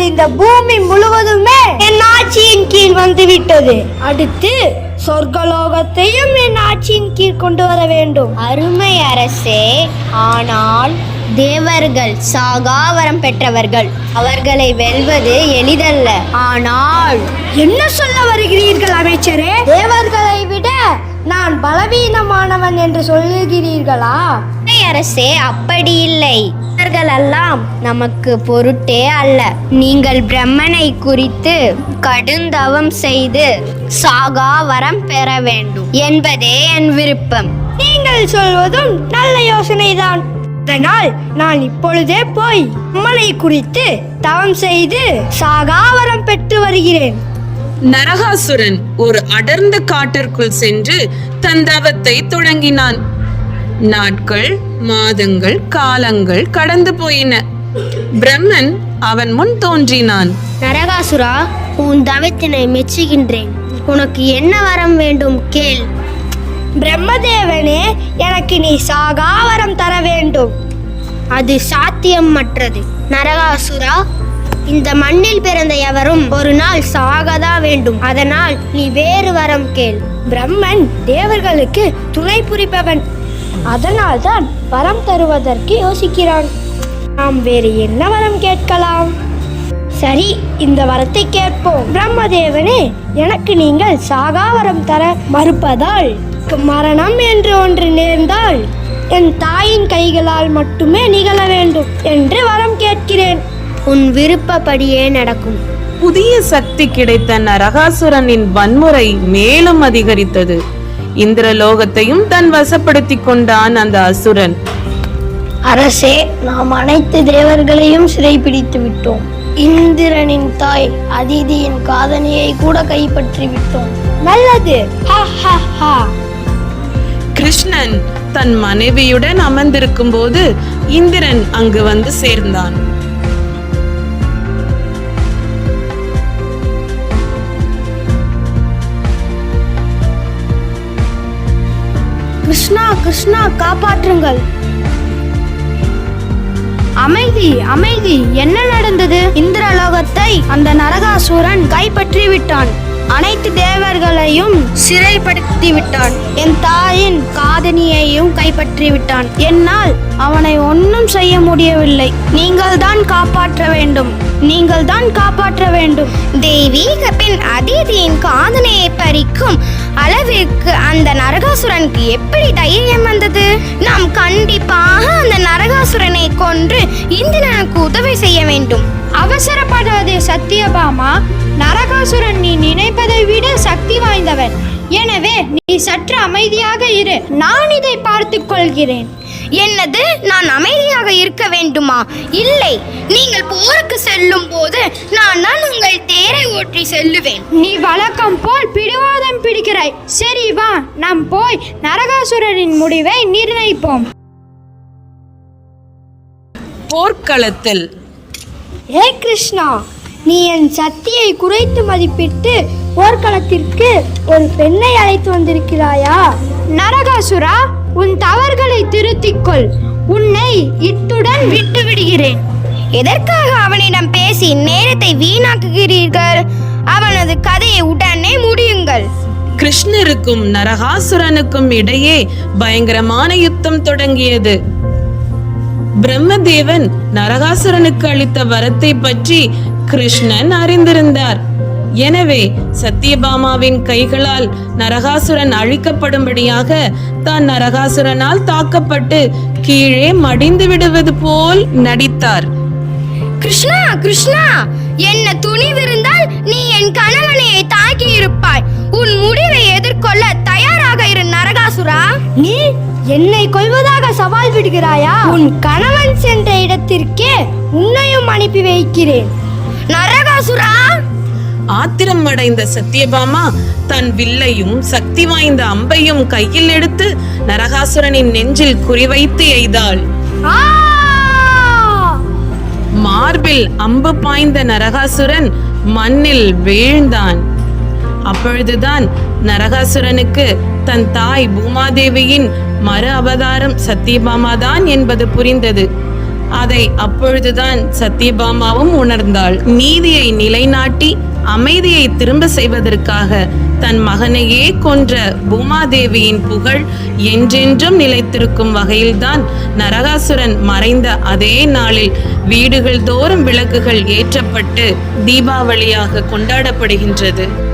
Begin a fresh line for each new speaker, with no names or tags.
இப்பொழுது இந்த பூமி முழுவதுமே என் ஆட்சியின் கீழ் வந்துவிட்டது. அடுத்து சொர்க்கலோகத்தையும் என் ஆட்சியின் கீழ் கொண்டு வர வேண்டும்.
அருமை அரசே, ஆனால் தேவர்கள் சாகாவரம் பெற்றவர்கள். அவர்களை வெல்வது எளிதல்ல. ஆனால்
என்ன சொல்ல வருகிறீர்கள் அமைச்சரே? தேவர்களை விட நான் பலவீனமானவன் என்று சொல்லுகிறீர்களா?
அரசே, அப்படி இல்லை. எல்லாம் நமக்கு பொருட்டே அல்ல. நீங்கள் பிரம்மனை குறித்து கடுந்தவம் செய்து சாகா வரம் பெற வேண்டும் என்பதே என் விருப்பம்.
நீங்கள் சொல்வதும் நல்ல யோசனைதான். அதனால் நான் இப்பொழுதே போய் பிரம்மனை குறித்து தவம் செய்து சாகாவரம் பெற்று வருகிறேன்.
நரகாசுரன் ஒரு அடர்ந்த காட்டிற்குள் சென்று தன் தவத்தை தொடங்கினான். நாட்கள், மாதங்கள், காலங்கள் கடந்து போயின. பிரம்மன் அவன் முன் தோன்றினான்.
நரகாசுரா, உன் தவத்தினை மெச்சுகின்றேன். உனக்கு என்ன வரம் வேண்டும் கேள்.
பிரம்மதேவனே, எனக்கு நீ சாகாவரம் தர வேண்டும்.
அது சாத்தியமற்றது. நரகாசுரா, இந்த மண்ணில் பிறந்த எவரும் ஒரு நாள் சாகதா வேண்டும். அதனால் நீ வேறு வரம் கேள்.
பிரம்மன் தேவர்களுக்கு துணை புரிப்பவன். அதனால்தான் வரம் தருவதற்கு யோசிக்கிறான். நாம் வேறு என்ன வரம் கேட்கலாம்? சரி, இந்த வரத்தை கேட்போம். பிரம்மதேவனே, எனக்கு நீங்கள் சாகாவரம் தர மறுப்பதால் மரணம் என்று ஒன்று நேர்ந்தால் என் தாயின் கைகளால் மட்டுமே நிகழ வேண்டும் என்று வரம் கேட்கிறேன்.
உன் விருப்பப்படியே நடக்கும்.
புதிய சக்தி கிடைத்த நரகாசுரனின் வன்முறை மேலும் அதிகரித்தது. இந்திரலோகத்தையும் தன் வசப்படுத்திக் கொண்டான் அந்த அசுரன்.
அரசே, நாம் அனைத்து தேவர்களையும் சிறைப்பிடித்து விட்டோம். இந்திரனின் தாய் அதிதியின் காதணியை கூட கைப்பற்றி விட்டோம். நல்லது.
கிருஷ்ணன் தன் மனைவியுடன் அமர்ந்திருக்கும் போது இந்திரன் அங்கு வந்து சேர்ந்தான்.
கிருஷ்ணா, கிருஷ்ணா, காப்பாற்றுங்கள்.
அமைதி, அமைதி. என்ன நடந்தது?
இந்திரலோகத்தை அந்த நரகாசுரன் கைப்பற்றி விட்டான். அனைத்து தேவர்களையும் சிறைப்படுத்தி விட்டான். என் தாயின் காதணியையும் கைப்பற்றி விட்டான். என்னால் அவனை ஒன்றும் செய்ய முடியவில்லை. நீங்கள் தான் காப்பாற்ற வேண்டும். நீங்கள் தான் காப்பாற்ற வேண்டும்.
தெய்வீக பெண் அதிதியின் காதணியை பறிக்கும் அளவிற்கு அந்த நரகாசுரனுக்கு எப்படி தைரியம் வந்தது? நாம் கண்டிப்பாக அந்த நரகாசுரனை கொன்று இந்திரனுக்கு உதவி செய்ய வேண்டும்.
அவசரப்படாதே சத்தியபாமா. நரகாசுரன் நீ நினைப்பதை விட சக்தி வாய்ந்தவன். எனவே நீ சற்று அமைதியாக இரு. நான் இதை பார்த்துக் கொள்கிறேன்.
என்னது? நான் அமைதியாக இருக்க வேண்டுமா? இல்லை, நீங்கள் போருக்கு செல்லும் போது நான் உங்கள் தேரை ஓட்டி செல்லுவேன்.
நீ வழக்கம் போல் பிடிவாதம் பிடிக்கிறாய். சரி, வா, நாம் போய் நரகாசுரனின் முடிவை நிர்ணயிப்போம்.
போர்க்களத்தில்
ஏ கிருஷ்ணா, நீ என் சக்தியை குறைத்து மதிப்பிட்டு போர்க்களத்திற்கு ஒரு பெண்ணை அழைத்து வந்திருக்கிறாயா? நரகாசுரா, உன் தவறுகளை திருத்திக்கொள். உன்னை இத்துடன் விட்டு விடுகிறேன்.
எதற்காக அவனிடம் பேசி நேரத்தை வீணாக்குகிறீர்கள்? அவனது கதையை உடனே முடியுங்கள்.
கிருஷ்ணருக்கும் நரகாசுரனுக்கும் இடையே பயங்கரமான யுத்தம் தொடங்கியது. பிரம்மதேவன் நரகாசுரனுக்கு அளித்த வரத்தை பற்றி கிருஷ்ணன் அறிந்திருந்தார். எனவே சத்தியபாமாவின் கைகளால் நரகாசுரன் அழிக்கப்படும்படியாக தான் நரகாசுரனால் தாக்கப்பட்டு கீழே மடிந்து விடுவது போல் நடித்தார்.
கிருஷ்ணா, கிருஷ்ணா, என்ன துணிவிருந்தால் நீ என் கணவனை தாக்கி இருப்பாய். உன் முடிவை எதிர்கொள்ள தயாராக இரு நரகாசுரா.
நீ என்னை கொல்வதாக சவால் விடுகிறாயா? உன் கணவன் சென்ற இடத்திற்கே உன்னையும் அனுப்பி வைக்கிறேன்.
நரகாசுரா!
ஆத்திரம் அடைந்த சத்தியபாமா தன் வில்லையும் சக்தி வாய்ந்த அம்பையும் கையில் எடுத்து நரகாசுரனின் நெஞ்சில் குறிவைத்து எய்தாள். மார்பில் அம்பு பாய்ந்த நரகாசுரன் மண்ணில் வீழ்ந்தான். அப்பொழுதுதான் நரகாசுரனுக்கு தன் தாய் பூமாதேவியின் மறு அவதாரம் சத்தியபாமா தான் என்பது புரிந்தது. அதை அப்பொழுதுதான் சத்யபாமாவும் உணர்ந்தாள். நீதியை நிலைநாட்டி அமைதியை திரும்ப செய்வதற்காக தன் மகனையே கொன்ற பூமாதேவியின் புகழ் என்றென்றும் நிலைத்திருக்கும் வகையில்தான் நரகாசுரன் மறைந்த அதே நாளில் வீடுகள் தோறும் விளக்குகள் ஏற்றப்பட்டு தீபாவளியாக கொண்டாடப்படுகின்றது.